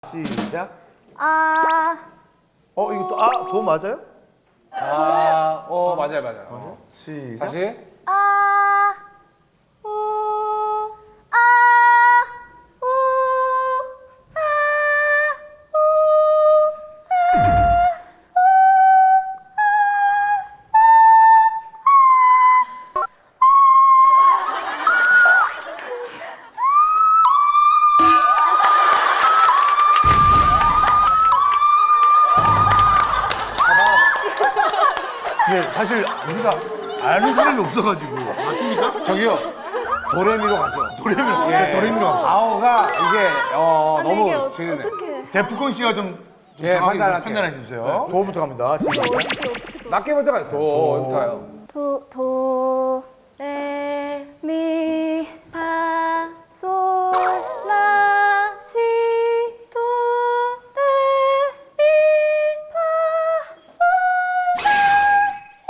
시작. 이거 또 도 맞아요? 맞아요. 시작. 다시. 네, 사실 우리가 아는 사람이 없어가지고. 맞습니까? 저기요. 도레미로 가죠. 도레미로 도레미로. 아오가 이게 너무 이게 지르네. 어떻게? 데프콘 씨가 좀 예, 정확하게 판단할게요. 판단해 주세요. 도부터 갑니다. 시작. 어떻게 낮게부터 가요. 도부터 가요. 도, 레, 미, 파, 솔, 라, 시, 도, 레, 미, 파, 솔, 라, 시,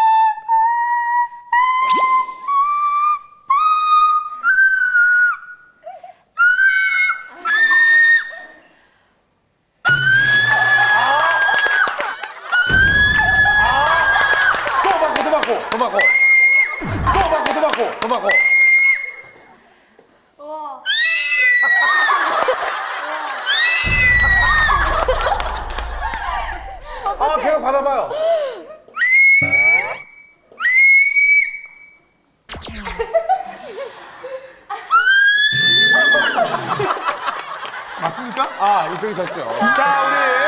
더 바꿔. 우와. 계속 받아봐요. 맞습니까? 이쪽이 졌죠. 자, 우리